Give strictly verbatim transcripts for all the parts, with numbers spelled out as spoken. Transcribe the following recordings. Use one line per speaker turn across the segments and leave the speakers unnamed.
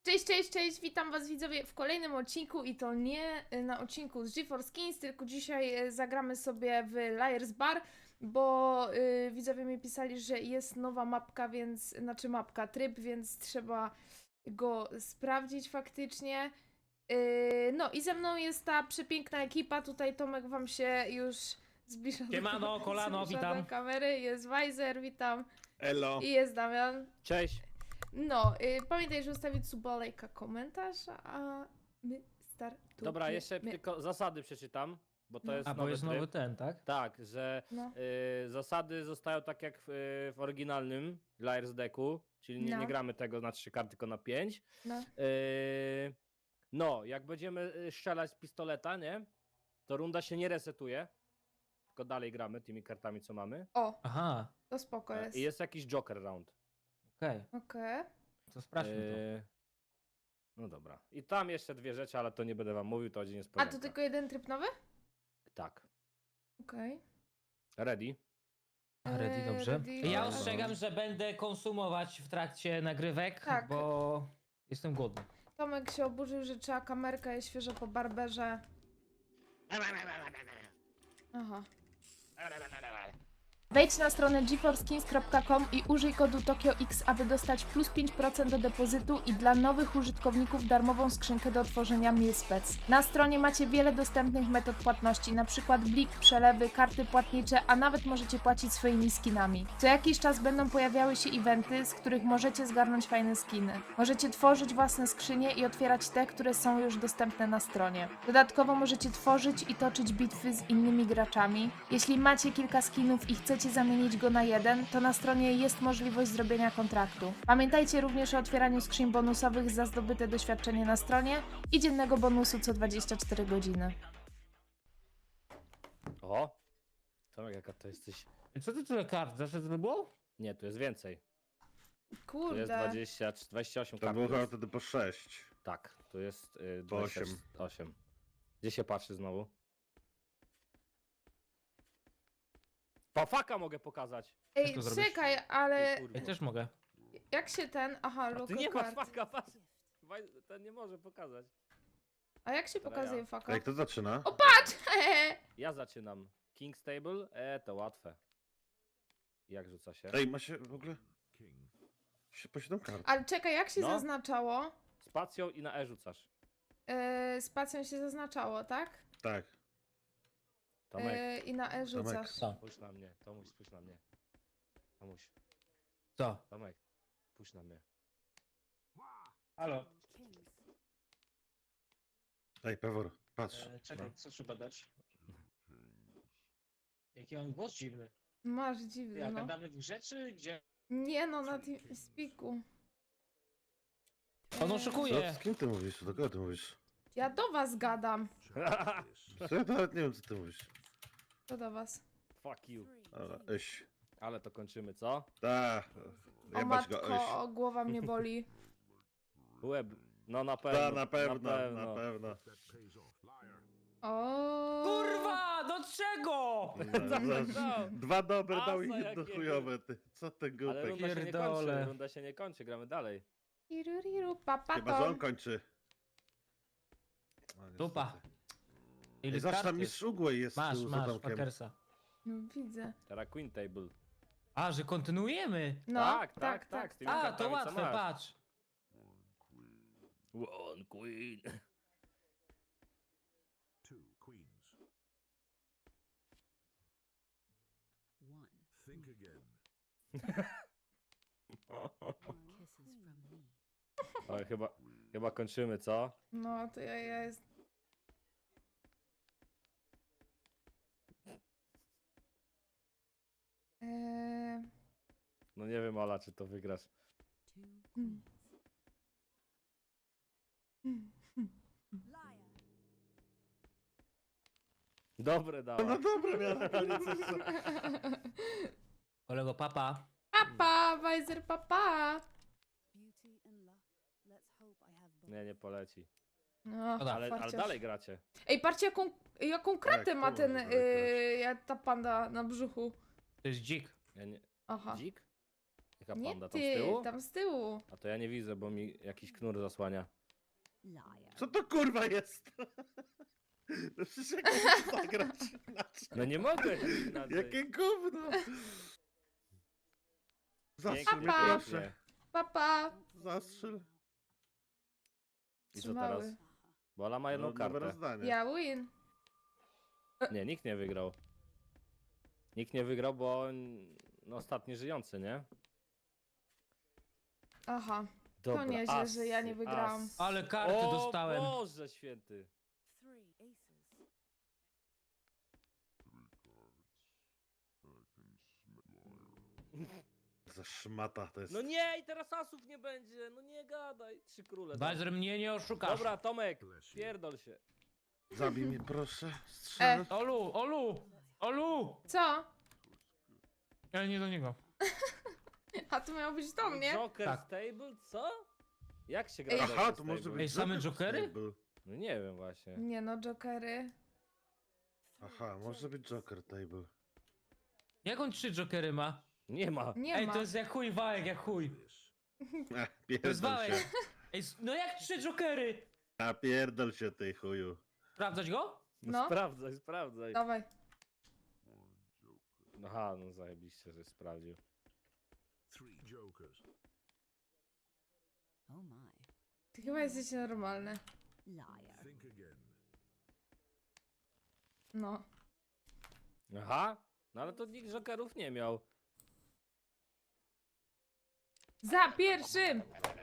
Cześć, cześć, cześć, witam was widzowie w kolejnym odcinku i to nie na odcinku z GeForce Kings, tylko dzisiaj zagramy sobie w Liar's Bar, bo yy, widzowie mi pisali, że jest nowa mapka, więc, znaczy mapka, tryb, więc trzeba go sprawdzić faktycznie. Yy, no i ze mną jest ta przepiękna ekipa, tutaj Tomek wam się już zbliża
Siemano,
do,
kolano,
zbliża
witam.
do kamery, jest Weiser, witam,
Elo.
i jest Damian.
Cześć.
No, y, pamiętaj, że ustawić suba, lajka, komentarz, a my startujemy.
Dobra, jeszcze tylko zasady przeczytam, bo to
No.
jest
A,
nowy
bo jest
tryb.
nowy ten, tak?
Tak, że
No.
y, zasady zostają tak jak w, y, w oryginalnym Liar's Decku, czyli nie,
No.
nie gramy tego na trzy karty, tylko na pięć.
No.
Y, no, jak będziemy y, strzelać z pistoleta, nie? To runda się nie resetuje, tylko dalej gramy tymi kartami, co mamy.
O,
Aha,
to spoko
E,
jest.
I jest jakiś Joker round.
okej.
Okej.
To sprawdźmy
Y, no dobra. I tam jeszcze dwie rzeczy, ale to nie będę wam mówił, to będzie
A
niespodzianka.
to tylko jeden tryb nowy?
Tak.
Okej.
Ready?
to. A, ready,
Eee,
dobrze.
ready,
Ja
ale-
ostrzegam, że będę konsumować w trakcie nagrywek,
Tak.
bo jestem głodny.
Tomek się oburzył, że trzeba kamerka, jest świeżo po barberze. Aha. Wejdź na stronę geforce kings kropka com i użyj kodu TokioX, aby dostać plus pięć procent do depozytu i dla nowych użytkowników darmową skrzynkę do otworzenia MilSpec. Na stronie macie wiele dostępnych metod płatności, np. blik, przelewy, karty płatnicze, a nawet możecie płacić swoimi skinami. Co jakiś czas będą pojawiały się eventy, z których możecie zgarnąć fajne skiny. Możecie tworzyć własne skrzynie i otwierać te, które są już dostępne na stronie. Dodatkowo możecie tworzyć i toczyć bitwy z innymi graczami. Jeśli macie kilka skinów i chcecie zamienić go na jeden, to na stronie jest możliwość zrobienia kontraktu. Pamiętajcie również o otwieraniu skrzyń bonusowych za zdobyte doświadczenie na stronie i dziennego bonusu co dwadzieścia cztery godziny.
O! Tomek, jaka to jesteś...
Co ty tyle kart? Zawsze to było?
Nie, tu jest więcej. Tu jest
Kurde.
dwadzieścia, dwadzieścia osiem
To
kart.
było
tu
chyba
jest.
wtedy po sześć.
Tak, tu jest y,
Po osiem.
dwadzieścia osiem. Gdzie się patrzy znowu? Pafaka mogę pokazać.
Ej,
to zrobisz?
czekaj,
Ty,
ale
kurwa.
Ja też mogę.
jak się ten... Aha,
A ty
logo
nie masz
kart.
faka, patrz. Waj- Ten nie może pokazać.
A jak się
Dobra,
pokazuje
ja.
faka?
Jak to zaczyna?
O, patrz!
Ja zaczynam. King's Table? E, to łatwe. Jak rzuca się?
Ej, ma się w ogóle... się po siedem kart.
Ale czekaj, jak się
No.
zaznaczało?
Spacją i na E rzucasz.
Yy, spacją się zaznaczało, tak?
Tak.
Tomek,
Yy, I na E rzucasz.
Co?
spójrz na mnie. Tomuś, spójrz na mnie. Tomuś,
Co?
Tomek, spójrz na mnie.
Halo.
Ej, Pewor, patrz.
E, Czekaj, co trzeba dać? Jaki mam głos dziwny.
Masz dziwny,
Ja
no.
gadamy w grze, czy gdzie?
Nie no, na tym spiku.
On
Co,
oszukuje.
z kim ty mówisz? Do kogo ty mówisz?
Ja do was gadam.
Co, ja nawet nie wiem, co ty mówisz.
To do was.
Fuck you.
Dobra, eś.
Ale to kończymy, co?
Ta.
O
Jebać go,
matko,
eś.
o, głowa mnie boli.
Łeb. No na pewno.
Ta, na pewno,
Na pewno.
na pewno.
O.
Kurwa, do czego?
Za- Dwa dobre
Asa
dał i jedno
jakiego.
chujowe, ty. Co ten
Ale
głupek?
runda się nie kończy,
Pierdolę.
runda się nie kończy, gramy dalej.
Iruriru,
Chyba, że on
papaton.
kończy. O, niestety.
Dupa.
Ej,
Ile
Zawsze tam
kart
mistrz
jest?
Ugłej jest
Masz,
tu za
masz,
domkiem.
Parkersa.
No widzę.
Teraz Queen Table.
A, że kontynuujemy?
No,
Tak, tak, tak, z tymi
A,
kartami,
to
co
łatwe,
masz.
patrz.
One Queen.
Two queens.
One.
Think again.
Kisses from me.
Oj, chyba, chyba kończymy, co?
No, to ja, ja jest... Eee...
No nie wiem, Ola, czy to wygrasz.
Two
Mm.
queens.
Mm.
Dobre
No
dała.
dobra, miałem na koniec jeszcze.
Kolego, papa.
Papa, Weiser, papa!
Beauty and luck. Let's hope I have both.
Nie, nie poleci.
No,
Dobra,
Ale, ale
farciarz.
dalej gracie.
Ej, patrzcie jaką, jaką kratę
Tak,
ma
to
ten,
może
yy, ja- ta panda na brzuchu.
To jest dzik.
Ja nie...
Aha.
Dzik? Jaka
Nie
panda tam z
ty,
tyłu?
tam z tyłu.
A to ja nie widzę, bo mi jakiś knur zasłania.
Liar.
Co to kurwa jest? No przecież jak mogę zagrać inaczej?
No nie mogę inaczej.
Jakie gówno! Zastrzel mnie
Papa.
proszę.
Papa.
Zastrzel.
I co
Trzymały.
teraz? Bo Ola ma jedną
No, nowe
kartę.
rozdanie.
Ja win.
Nie, nikt nie wygrał. Nikt nie wygrał, bo on, no, ostatni żyjący, nie?
Aha.
Dobra,
nieźle, że ja nie wygrałam.
as.
Ale karty
O
dostałem.
Boże święty.
Three aces.
Za szmata to jest.
No nie, i teraz asów nie będzie. No nie gadaj. Trzy króle.
Bazer mnie nie oszukasz.
Dobra, Tomek,
Bless you.
pierdol się.
Zabij mnie proszę.
E.
Strzel.
Olu, Olu, Olu!
Co?
Ale nie do niego.
A to miało być do mnie?
Joker
Tak.
Stable? Co? Jak się gra
Ej.
Joker
Aha, to
Stable?
może być.
Ej, same
Joker
jokery?
Stable.
No nie wiem właśnie.
Nie no, jokery.
Aha, może być Joker Table.
Jak on trzy jokery ma?
Nie ma.
Nie
Ej,
ma.
to jest jak chuj wałek, jak chuj.
This.
Ech,
To jest
pierdol
wałek.
się.
Ej, s- no jak trzy jokery?
A pierdol się ty chuju.
Sprawdzać go?
No.
Sprawdzaj, sprawdzaj.
Dawaj.
Aha, no zajebiście, że sprawdził.
Three jokers.
Oh my.
Ty chyba jesteś normalny.
Liar.
Think again.
No.
Aha, no ale to nikt Jokerów nie miał.
Za pierwszym!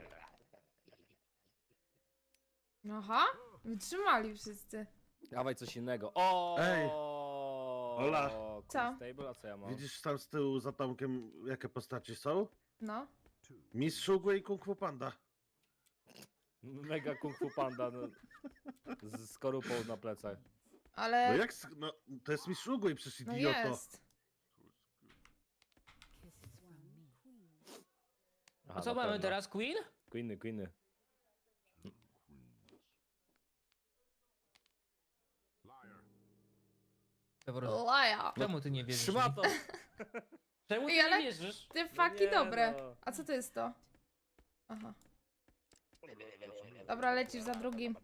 Aha. Wytrzymali wszyscy.
Dawaj coś innego. O!
Ej. Ola.
Queen
Co?
Stable, a co ja mam?
Widzisz tam z tyłu za Tomkiem jakie postaci są?
No.
Two.
Mistrz Ugły i Kung Fu Panda.
Mega Kung Fu Panda no, z skorupą na plecach.
No
Ale...
jak, s- no to jest Mistrz Ugły, przecież
No
idioto.
jest.
Kisses from me. Queen.
Aha,
A co
na
mamy
pewno.
teraz, Queen?
Queeny, Queeny.
Liar.
Dobra,
Laja.
czemu ty nie wierzysz?
Trzyma
mi?
to!
Czemu ty
Ej, ale-
nie wierzysz?
Te
No
faki
nie,
dobre.
no.
A co to jest to? Aha. Dobra, lecisz za drugim.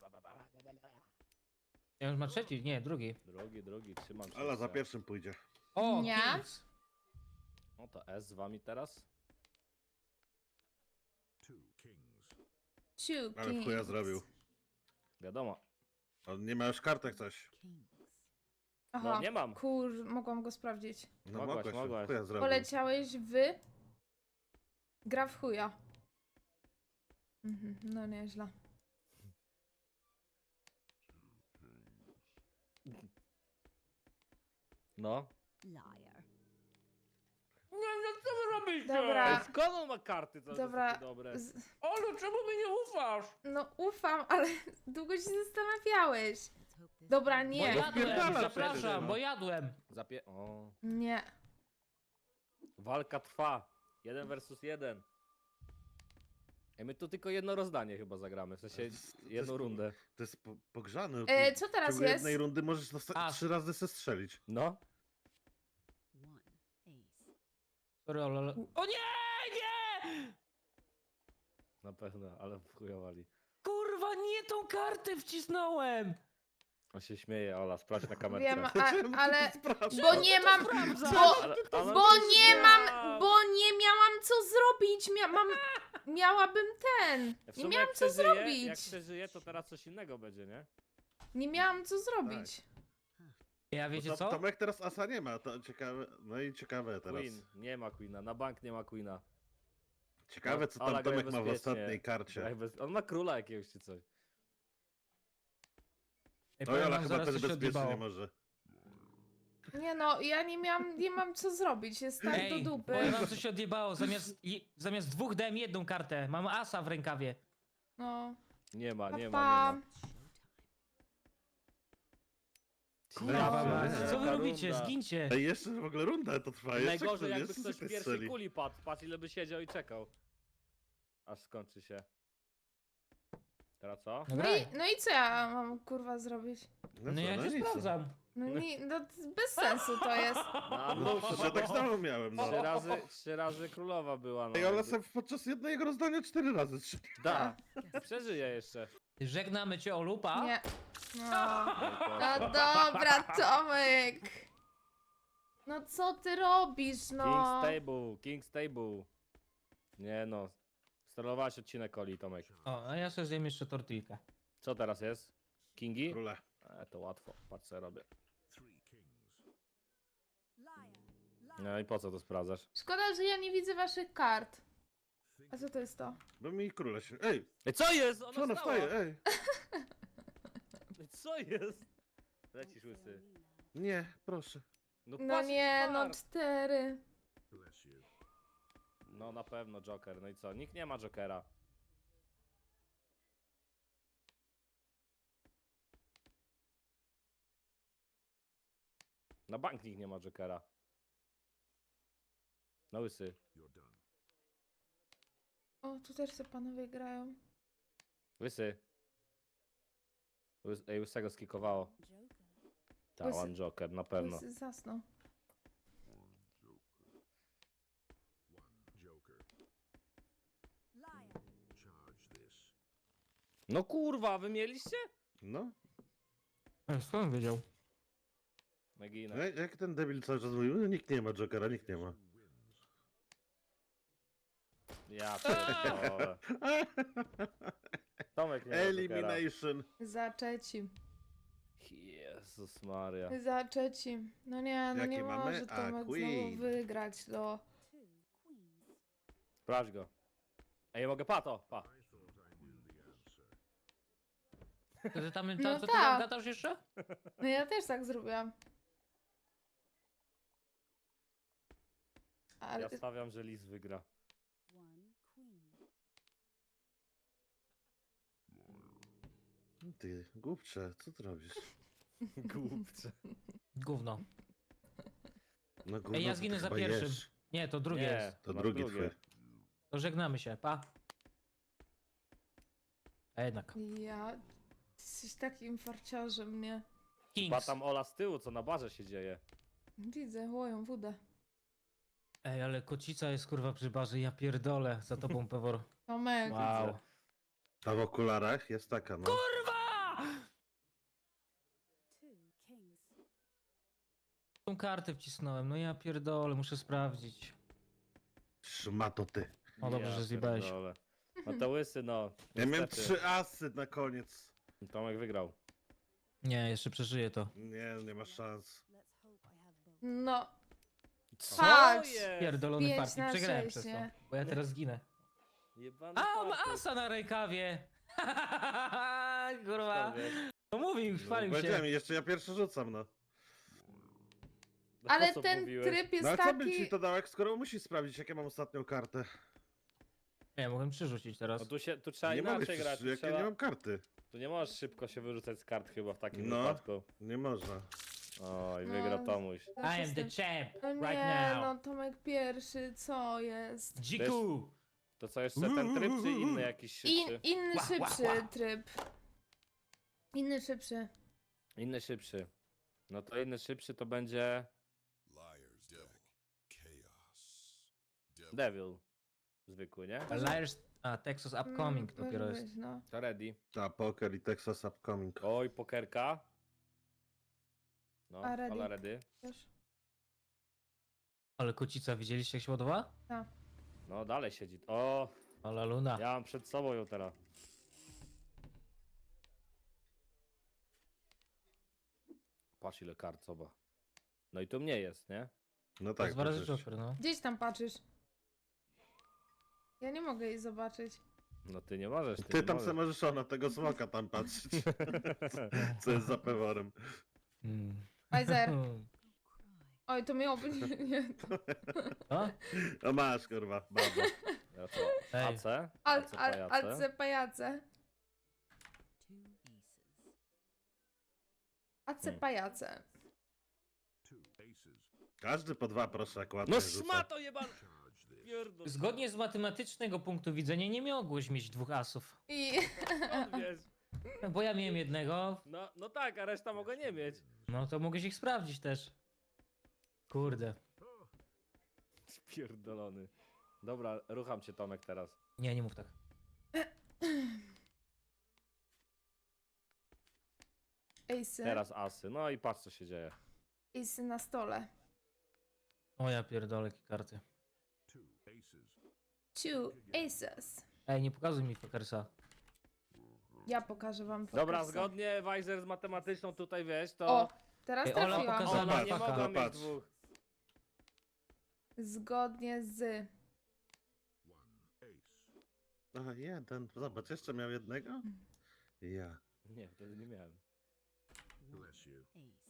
Ja już ma trzeci, nie, drugi.
Drugi, drugi, trzymam się.
Ala za
jeszcze.
pierwszym pójdzie.
O,
Nie.
Kings.
No to S z wami teraz.
Two kings.
Two
Ale w chuja
kings.
zrobił.
Wiadomo.
On nie ma już kartek coś.
Kings.
Aha.
No nie mam.
Kur, mogłam go sprawdzić.
No
Mogłaś,
mogłaś,
mogłaś.
w chuja zrobił.
Poleciałeś w... Gra w chuja. Mhm, no nieźle.
No.
Liar.
Nie, no co wy robicie?
Dobra.
Ej, skąd on ma karty to
Dobra.
takie dobre?
Z,
Olu, czemu mi nie ufasz?
no ufam, ale długo się zastanawiałeś.
Let's hope this
Dobra,
one-
Bo
nie.
jadłem,
Wpierdala
zapraszam,
wtedy, no.
bo jadłem.
Zapie... O.
Nie.
Walka trwa. Jeden versus jeden. Ej, my tu tylko jedno rozdanie chyba zagramy, w sensie
To jest- to
jedną
jest-
rundę.
To jest po, pogrzany.
E,
Ty
co
w
teraz
ciągu
jest?
jednej rundy możesz dosta-
A.
trzy razy se strzelić.
No.
One ace.
Sorry, Olu, ale... O nie, nie!
Na pewno, ale wchujowali.
Kurwa, nie tą kartę wcisnąłem!
On się śmieje, Ola, sprawdź na kamerce.
Wiem, a,
Czemu ty
ale...
sprawdzasz?
Bo nie mam...
sprawdzasz?
Bo,
Ale- ale
bo
on się
nie
śmiał.
mam... Bo nie miałam co zrobić. Mia, mam... Miałabym ten.
W
Nie
sumie
miałam
jak
co
przeżyje,
zrobić.
Jak przeżyje, to teraz coś innego będzie, nie?
Nie miałam co zrobić.
Ja wiecie
Bo to-
co?
Tomek teraz asa nie ma, to ciekawe. No i ciekawe teraz.
Queen, nie ma Queena, na bank nie ma Queena.
Ciekawe co
Ola,
tam
graj
Tomek ma w
bezpiecznie.
ostatniej karcie.
Graj bez- On ma króla jakiegoś czy coś.
Ej,
No
powiem
Jola
wam,
chyba
zaraz
też
coś się
bezpiecznie
odjebało.
nie może.
Nie no, ja nie miałam, nie mam co zrobić. Jest tak
Ej,
do
powiem
dupy.
wam, co się odjebało. Zamiast, i- zamiast dwóch dałem jedną kartę. Mam asa w rękawie.
No.
Nie ma, nie
Pa,
ma, nie ma.
Kurwa,
No,
mać,
nie.
co wy
Jaka
robicie?
runda.
Zgincie.
Ej, jeszcze w ogóle runda to trwa. Jeszcze
Najgorzej
ktoś-
jakby
jeszcze
ktoś w
ktoś
pierwszej
strzeli.
kuli padł. Patrz ile by siedział i czekał. Aż skończy się. Teraz co?
No
No
graj.
i, no i co ja mam kurwa zrobić?
No ja
co,
cię
nic.
sprawdzam.
No nie, no to bez sensu to jest.
No,
No
no,
przecież ja tak samo miałem, no.
trzy razy, trzy razy królowa była, no.
Ej, ale sam podczas jednego rozdania cztery razy trzy.
Da, przeżyje jeszcze.
Żegnamy cię, Olupa.
Nie. No. No dobra, Tomek. No co ty robisz, no?
King's Table, King's Table. Nie no. Sterowałaś odcinek Oli, Tomek.
O, a ja sobie zjem jeszcze tortilkę.
Co teraz jest? Kingi?
Króle.
E, to łatwo, patrz co ja robię.
Three kings.
Liar. Liar.
No i po co to sprawdzasz?
Szkoda, że ja nie widzę waszych kart.
Think
A co to jest to?
Bo mi króle się... Ej,
Ej, co jest?
co
Ona
ona
stała.
wstaje? Ej.
Ej, co jest? Lecisz łysy.
Nie, proszę.
No,
No
patrz,
nie, no
kart.
cztery.
bless you.
No na pewno Joker, no i co? Nikt nie ma Jokera. Na bank nikt nie ma Jokera. No łysy.
You're done.
O, tu też se panowie grają.
Łysy. Łys Ej, łysego skikowało.
Joker.
Ta,
Łysy-
one Joker, na pewno.
Łysy zasnął.
One joker.
Liar.
Charge this.
No kurwa, wy mieliście?
No.
Ej, skąd wiedział?
Megina.
Ej, jak ten debil cały czas mówił, no, nikt nie ma Jokera, nikt nie ma.
Wins.
Ja pierdolę. Tomek nie ma Jokera.
Elimination.
Zaczeci.
Jezus Maria.
Zaczeci. No nie, no
Jakie
nie
mamy?
może
A,
Tomek znowu
Queen.
wygrać, no.
Two queens.
Sprawdź go. Ej, mogę pato, pa.
I thought I knew the answer.
To ty tam,
No
ta, to ty
tak.
tam gadasz jeszcze?
No ja też tak zrobiłam. Ale
Ja stawiam, że Liz wygra.
One queen.
Ty, głupcze, co ty robisz?
Głupcze.
Gówno.
No gówno,
Ej, ja
to
zginę
ty
za
chyba
pierwszym.
jesz.
Nie, to drugie
Nie,
jest.
To
masz
drugi
drugie.
twój.
To żegnamy się, pa. A jednak.
ja... Jesteś takim farciarzem, nie?
Pa
Kings.
tam Ola z tyłu, co na barze się dzieje.
Widzę, łoją wódę.
Ej, ale kocica jest kurwa przy barze, ja pierdolę za tobą, Pewor.
Tomek.
Wow.
Ta w okularach jest taka, no.
Kurwa!
Two kings.
Tą kartę wcisnąłem, no ja pierdolę, muszę sprawdzić.
Szmato ty.
O, dobrze, że zjebałeś.
pierdolę. No to łysy, no.
Ja miałem
niestety.
trzy asy na koniec.
Tomek wygrał.
Nie, jeszcze przeżyję to.
Nie, nie ma szans.
Let's hope I have both.
No,
Co
Patrz!
jest?
Pierdolony
Pięć
partii,
na
przegrałem
sześć,
przez to.
nie?
Bo ja teraz zginę.
Jebany
A, ma
fartuch.
asa na rękawie! Kurwa.
Skąd wiesz?
No mówił, chwalił
Powiedziałem,
się.
jeszcze ja pierwszy rzucam, no.
No
ale
po co
ten
mówiłeś?
tryb jest
No a co bym
taki...
ci to dał, jak skoro musi sprawdzić, jak ja mam ostatnią kartę?
Nie, mogłem przerzucić teraz.
No tu się, tu trzeba
Nie mogę,
inaczej grać.
przecież,
Tu,
jak ja
trzeba,
nie mam karty.
tu nie możesz szybko się wyrzucać z kart chyba w takim
No.
wypadku.
Nie można.
Oj,
No.
wygra Tomuś.
I am the champ,
No
right
nie,
now.
no Tomek pierwszy, co jest?
Dziku!
To co, jeszcze ten tryb, czy inny jakiś
In,
szybszy?
inny
Ła, ła,
szybszy
ła.
tryb. Inny szybszy.
Inny szybszy. No to inny szybszy to będzie
Liar's deck. Chaos. Devil.
Devil. Zwykły, nie?
Liars... A, Texas Upcoming
Mm,
dopiero
może
jest.
być, no.
To ready.
Ta, poker i Texas Upcoming.
Oj, pokerka. No,
A ready?
Ola ready.
Wiesz?
Ale kocica, widzieliście jak się ładowała?
No, dalej siedzi. O,
Ola Luna.
ja mam przed sobą ją teraz. Patrz ile kart, zobacz. No i tu mnie jest, nie?
No
Tak,
tak,
dwa razy
przecież.
Joker, no.
Gdzieś tam patrzysz. Ja nie mogę jej zobaczyć.
No ty nie możesz. Ty,
Ty
nie
tam
możesz.
se możesz ona tego smoka tam patrzeć. Co jest za peworem.
Mm.
Pfizer.
Go cry.
Oj, to miało być... Nie.
Co?
O masz, kurwa, babo.
Ja co?
Ej.
A C?
Al,
A C
al,
pajace?
alce pajace.
Two aces.
Ace
Hmm.
pajace.
Two aces.
Każdy po dwa, proszę, jak ładnie
No
rzuca.
szmato jebana!
Charge this.
Pierdol.
Zgodnie z matematycznego punktu widzenia nie mogłeś mieć dwóch asów.
I...
Skąd wiesz?
Bo ja miałem jednego,
No, no tak, a reszta mogła nie mieć.
no to mogłeś ich sprawdzić też. Kurde.
Spierdolony. Dobra, rucham cię Tomek teraz.
Nie, nie mów tak.
Ejsy.
Teraz asy. No i patrz co się dzieje.
Ejsy na stole.
O ja pierdolę, jakie karty.
Two aces.
Two aces.
Ej, nie pokazuj mi pokersa.
Ja pokażę wam
Dobra,
pokersa.
zgodnie Weiser z matematyczną tutaj wiesz, to
O, teraz
Ej, Ola
trafiłam.
pokazała
ona nie
faka.
mogła mieć
Patrz.
dwóch.
Zgodnie z...
One ace.
Aha, jeden. Zobacz, jeszcze miał jednego? Ja.
Nie, wtedy nie miałem.
Bless you.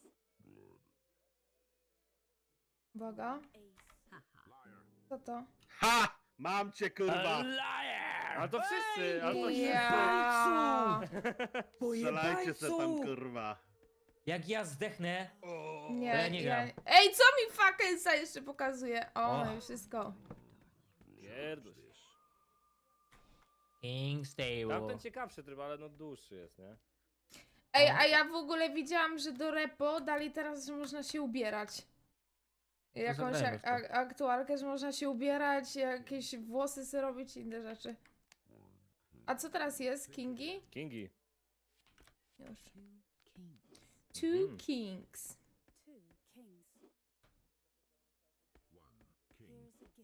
Uwaga.
Liar.
Co to?
Ha! Mam cię, kurwa!
Ale to wszyscy, ale to
Ja.
Strzelajcie se tam, kurwa.
Jak ja zdechnę,
Nie,
Ja nie gram.
Ej, co mi fuckersa jeszcze pokazuje? O,
O.
no i wszystko.
Pierdol.
King Stable.
Tamten ciekawszy tryb, ale no dłuższy jest, nie?
Ej, a ja w ogóle widziałam, że do repo dali teraz, że można się ubierać. Jakąś
zagrajmy w
ak-
to.
ak- aktualkę, że można się ubierać, jakieś włosy sobie robić i inne rzeczy. A co teraz jest? Kingi?
Kingi.
Już.
Two kings.
Two
Mhm.
kings.
Two kings.
One king.
Here's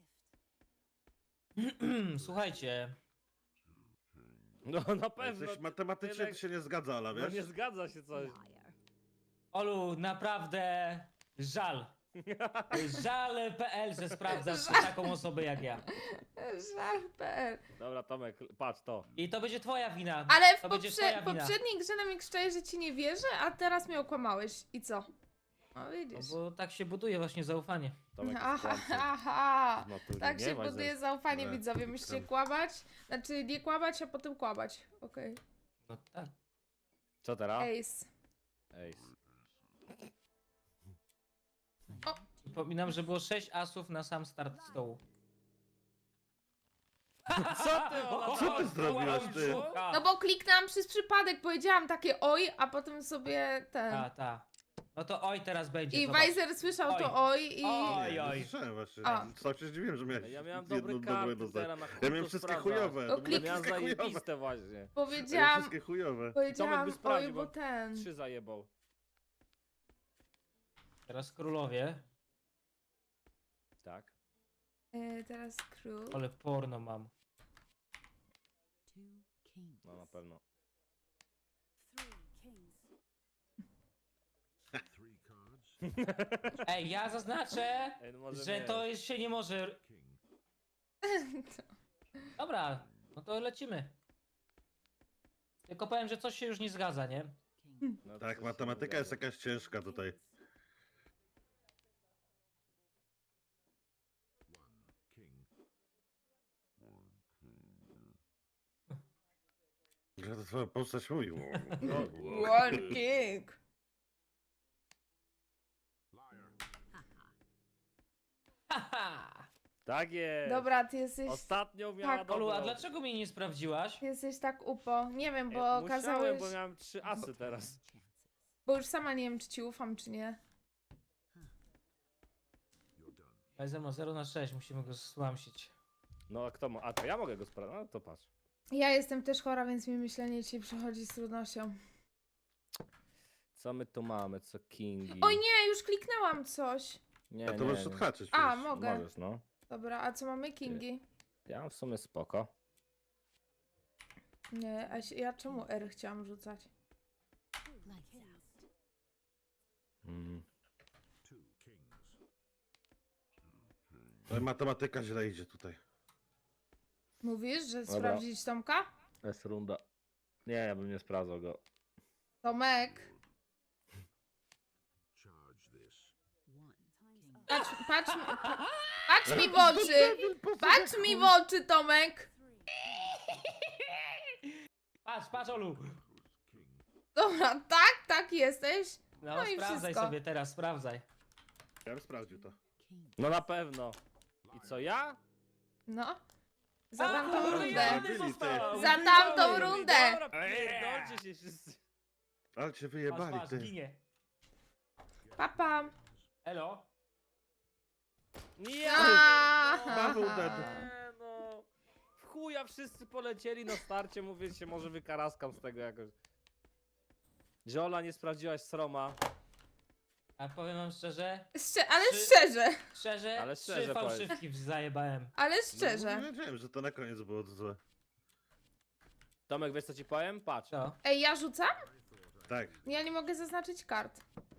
a gift.
Słuchajcie,
No na
Jak
pewno.
coś matematycznie to się nie zgadza, ale
No
wiesz?
nie zgadza się coś.
Olu, naprawdę żal. Żal kropka pe el, że sprawdzasz taką osobę jak ja.
Żal kropka pe el.
Dobra, Tomek, patrz to.
I to będzie twoja wina.
Ale w
to będzie
poprze-
twoja wina.
poprzedniej grze na mnie krzyczałeś, że ci nie wierzę, a teraz mnie okłamałeś. I co? No
No
widzisz.
bo tak się buduje właśnie zaufanie.
Tomek jest
Aha,
kłamcą.
aha.
Z natury,
Tak
nie?
się
Weiser?
buduje zaufanie,
Nie,
widzowie.
to
Musicie
tam.
kłamać. Znaczy nie kłamać, a potem kłamać. Okej.
No tak.
Co teraz?
Ace.
Ej.
Przypominam, że było sześć asów na sam start stołu.
Co ty, Ola,
Co ty zrobiłaś, ty?
No bo kliknęłam przez przypadek, powiedziałam takie oj, a potem sobie ten.
Ta, ta. No to oj teraz będzie.
I
zobacz.
Weiser słyszał
Oj.
to oj i.
Oj,
Nie,
oj.
nie słyszałem właśnie.
A.
Sam się zdziwiłem, że miałeś
Ja miałem
jedno
dobry
dobre
karty
dostać.
teraz na chuj
Ja miałem
to
wszystkie
sprawdzać.
chujowe.
O,
to
Ja
były
klik-
miałem
wszystkie chujowe.
zajebiste właśnie.
Ja miałem
Powiedziałam,
wszystkie chujowe.
powiedziałam
by sprawdził,
oj,
bo
bo ten.
Trzy zajebał.
Teraz królowie.
Tak.
E, teraz król.
Ale porno mam.
Two kings.
No na pewno.
Three kings.
Three cards.
Ej, ja zaznaczę,
Ej, no może
że
nie.
to jest- się nie może...
King.
Dobra, no to lecimy. Tylko powiem, że coś się już nie zgadza, nie?
No to
Tak,
coś się
matematyka
nie
jest
zgadza.
jakaś ciężka tutaj.
One king.
Ja to twoja postać mówi.
One king.
Liar.
Haha!
Tak jest.
Dobra, ty jesteś.
Ostatnio miała
Tak.
Olu, a
dobrą.
dlaczego mnie nie sprawdziłaś?
Ty jesteś tak upo. Nie wiem,
Ej,
bo
musiałem,
okazałeś.
bo miałem trzy asy teraz.
Bo już sama nie wiem, czy ci ufam, czy nie.
You're done.
Weiser ma zero na sześć, musimy go słamsić.
No a kto ma? A to ja mogę go sprawdzić. No to patrz.
Ja jestem też chora, więc mi myślenie ci przychodzi z trudnością.
Co my tu mamy? Co kingi?
Oj nie, już kliknęłam coś.
Nie,
A to
nie,
możesz
nie.
odhaczyć.
A,
przecież.
mogę.
Możesz, no.
Dobra, a co mamy? Kingi?
Ja mam w sumie spoko.
Nie, a się- ja czemu R chciałam rzucać?
Lights out.
Mm.
Two kings.
Ale matematyka źle idzie tutaj.
Mówisz, że
Dobra.
sprawdzić Tomka?
Jest runda. Nie, ja bym nie sprawdzał go.
Tomek,
Charge this.
One king.
patrz, patrz, mi- pa- patrz mi w oczy! Patrz mi w oczy, Tomek!
Patrz, patrz Olu!
King.
Dobra, tak, tak jesteś.
No,
No i
sprawdzaj
wszystko.
sobie teraz, sprawdzaj.
Ja bym sprawdził to.
King.
No na pewno. I co, ja?
No. Za
A,
tamtą
kurde,
rundę.
ja nie zostałam.
Za tamtą rundę.
Dobra, pierdolcie Trzymajcie się wszyscy.
Ale cię
Patrz,
wyjebali,
patrz,
ty.
ginie.
Papa.
Elo.
Nie!
Paweł dead.
Nie, no. W chuja wszyscy polecieli na starcie, mówię się, może wykaraskam z tego jakoś. Ziola, nie sprawdziłaś Sroma.
A powiem wam szczerze,
Szcze- ale
Czy-
szczerze,
szczerze,
Ale
trzy
szczerze powiedz.
fałszywki zajebałem.
ale
No,
szczerze.
nie wiedziałem, że to na koniec było złe.
Tomek, wiesz co ci powiem? Patrz.
Co?
Ej, ja rzucam?
Tak,
Ja nie mogę zaznaczyć kart.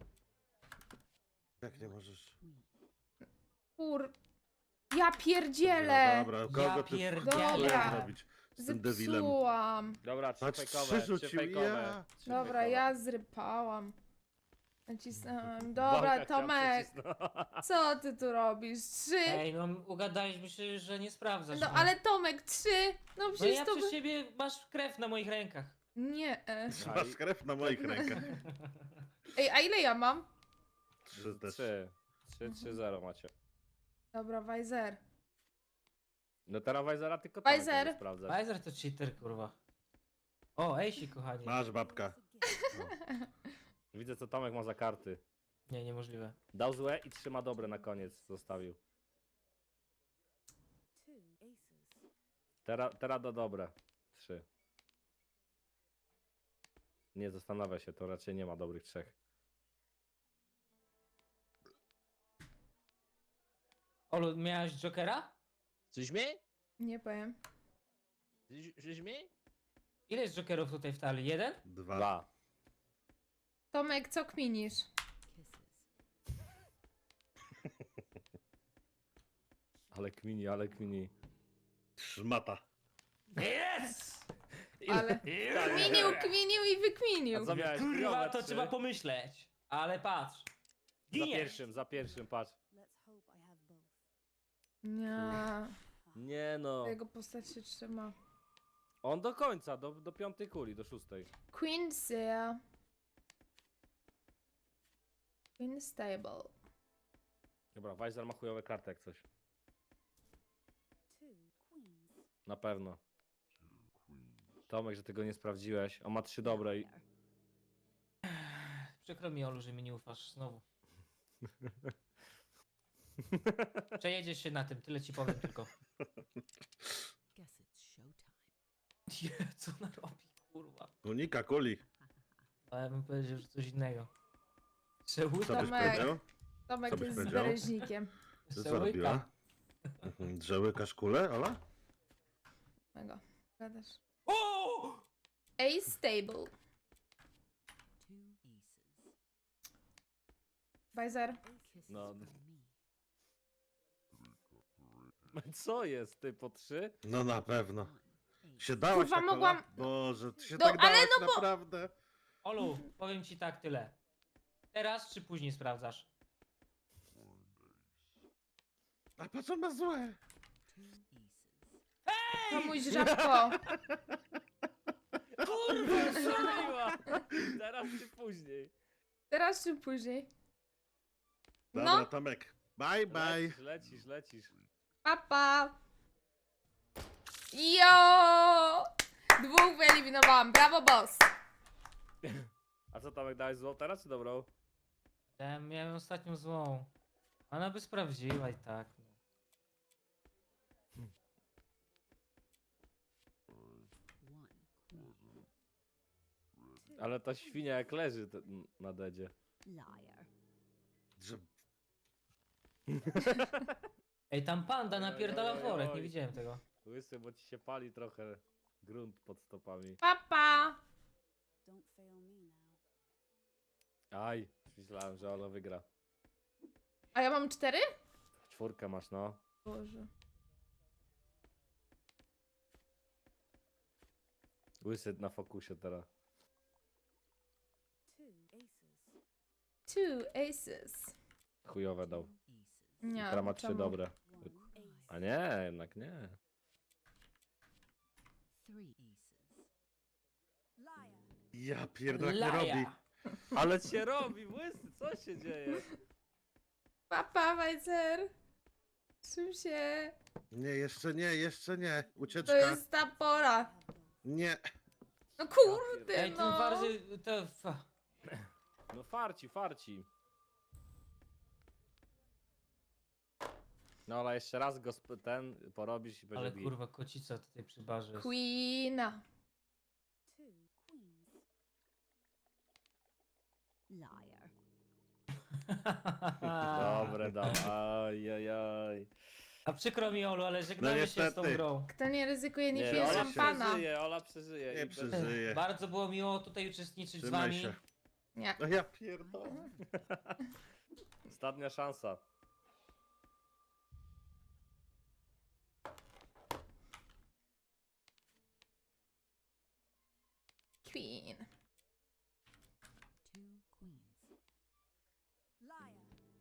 jak nie możesz.
Kur... Ja pierdzielę!
No dobra, kogo
Ja
ty
pierdzielę.
Dobra.
robić z tym debilem?
Zepsułam.
Dobra, trzy
Patrz,
fejkowe,
trzy
trzy
rzucił,
fejkowe.
ja.
trzy
Dobra,
fejkowe.
ja zrypałam. Nacisnąłem.
Bąka
Dobra,
chciał
Tomek,
przycisnąć.
co ty tu robisz? Trzy?
Ej, no ugadaliśmy się, że nie sprawdzasz.
No
mnie.
ale Tomek, trzy? No
No
przecież
ja
to...
przez
by-
ciebie masz krew na moich rękach.
Nie. e.
Masz krew na moich rękach.
Ej, a ile ja mam?
Trzy też.
Trzy. Trzy, trzy, zero macie.
Dobra, Weiser.
No teraz Wajzera tylko Tomek
Weiser.
będzie sprawdzać.
Pfizer to cheater, kurwa. O, Ejsi, kochani.
Masz babka.
Widzę co Tomek ma za karty.
Nie, niemożliwe.
Dał złe i trzyma dobre na koniec zostawił.
Two aces.
Teraz teraz da dobre. Trzy. Nie zastanawia się, to raczej nie ma dobrych trzech.
Olu, miałeś Jokera?
Coś mnie?
Nie powiem.
Coś- Coś mnie?
Ile jest Jokerów tutaj w talii? Jeden?
Dwa.
Dwa.
Tomek, co kminisz?
Ale kmini, ale kmini.
Szmata.
Yes!
Ale... Kminił, kminił i wykminił.
A co miałeś?
Kurwa,
Chujowe
to
trzy.
trzeba pomyśleć. Ale patrz.
Za
Giniesz!
pierwszym, za pierwszym, patrz.
Let's hope I have both.
Nie.
Nie no.
Jego postać się trzyma.
On do końca, do, do piątej kuli, do szóstej.
Quincy. Queen Stable.
Dobra, Weiser ma chujowe karty jak coś.
Two queens.
Na pewno. Tomek, że tego nie sprawdziłeś. On ma trzy dobre i...
Przykro mi, Olu, że mi nie ufasz znowu. Przejedziesz się na tym, tyle ci powiem tylko.
Guess it's showtime.
Nie, co ona robi, kurwa.
Unika kuli.
A ja bym powiedział, że coś innego.
Co byś
Tomek.
powiedział?
Tomek
Co byś
jest
powiedział?
bereźnikiem.
Co zrobiła? Mhm, Że łykasz kulę, Ola?
Mego. Gadasz.
O!
A Stable.
Two aces.
Weiser.
Kisses
No.
from me.
Co jest, ty, po trzy?
No na pewno.
One ace.
Się dałaś
Kurwa,
tak, Ola?
mogłam-
Boże, ty się
No,
tak
ale
dałaś
no bo-
naprawdę.
Olu, powiem ci tak tyle. Teraz czy później sprawdzasz?
A patrz, on ma złe.
Two aces.
Tomuś żabko.
Kurwa, strzeliła! Teraz czy później?
Teraz czy później?
Dobra,
No.
Tomek. Bye, bye.
Lecisz, lecisz, lecisz.
Papa. Jo! Dwóch wyeliminowałam. Brawo, boss.
A co Tomek, dałeś złą teraz czy dobrą?
Ja miałem ostatnią złą. Ona by sprawdziła i tak. No.
One queen.
Ale ta świnia jak leży te- na dedzie.
Liar.
Że...
Ej, tam panda napierdala
Oj, oj,
worek,
oj.
nie widziałem tego.
Łysy, bo ci się pali trochę grunt pod stopami.
Papa.
Don't fail me now.
Aj, myślałem, że Ola wygra.
A ja mam cztery?
Czwórkę masz, no.
Boże.
Łysy na fokusie teraz.
Two aces.
Two aces.
Chujowe dał.
Two aces.
Nie.
Teraz ma trzy
czemu?
dobre.
One ace.
A nie, jednak nie.
Three aces.
Liar.
Ja pierdolę, jak nie robi.
Laja!
Ale cię robi, Łysy, co się dzieje?
Papa, Weiser. Czym się?
Nie, jeszcze nie, jeszcze nie.
To
Ucieczka.
jest ta pora.
Have both.
Nie.
No kurde,
Ej, ten
no.
warzy... to... fa-
No farci, farci. No ale jeszcze raz go sp- ten porobisz i będzie
Ale
git.
kurwa, kocica tutaj przy barze jest.
Queena.
Two queens.
Liar.
Dobre, dam. Ajajaj.
A przykro mi, Olu, ale żegnamy się z tą
niestety.
grą.
Kto nie ryzykuje, nie,
Nie,
pije
Ola
szampana.
przeżyje, Ola przeżyje.
Nie
i bez-
przeżyje.
Bardzo było miło tutaj uczestniczyć z
Trzymaj
wami.
się.
Nie.
No ja pierdolę.
Ostatnia szansa.
Queen.
Two queens.
Liar.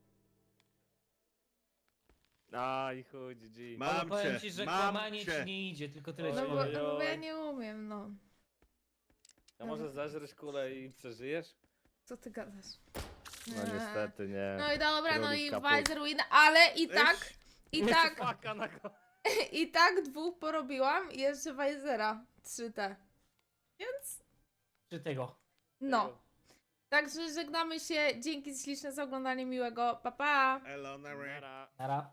Aj, chuj, G G.
Ma- Mam
Ale powiem
cię,
ci, że
mam
kłamanie
cię.
ci nie idzie, tylko tyle
Oj,
No
ci
bo,
powiem.
no bo ja
oj.
nie umiem, no.
A może zeżresz kulę i przeżyjesz?
Co ty gadasz?
No
Nie.
niestety nie.
No i dobra, no
Królik
i
kaput.
Weiser win, ale i tak, i tak,
Faka na go.
i tak dwóch porobiłam i jeszcze Weisera. trzy T. Więc
Czy tego?
no. Także żegnamy się. Dzięki śliczne za oglądanie miłego. Pa pa!
Elona Ray.
Nara.
Nara.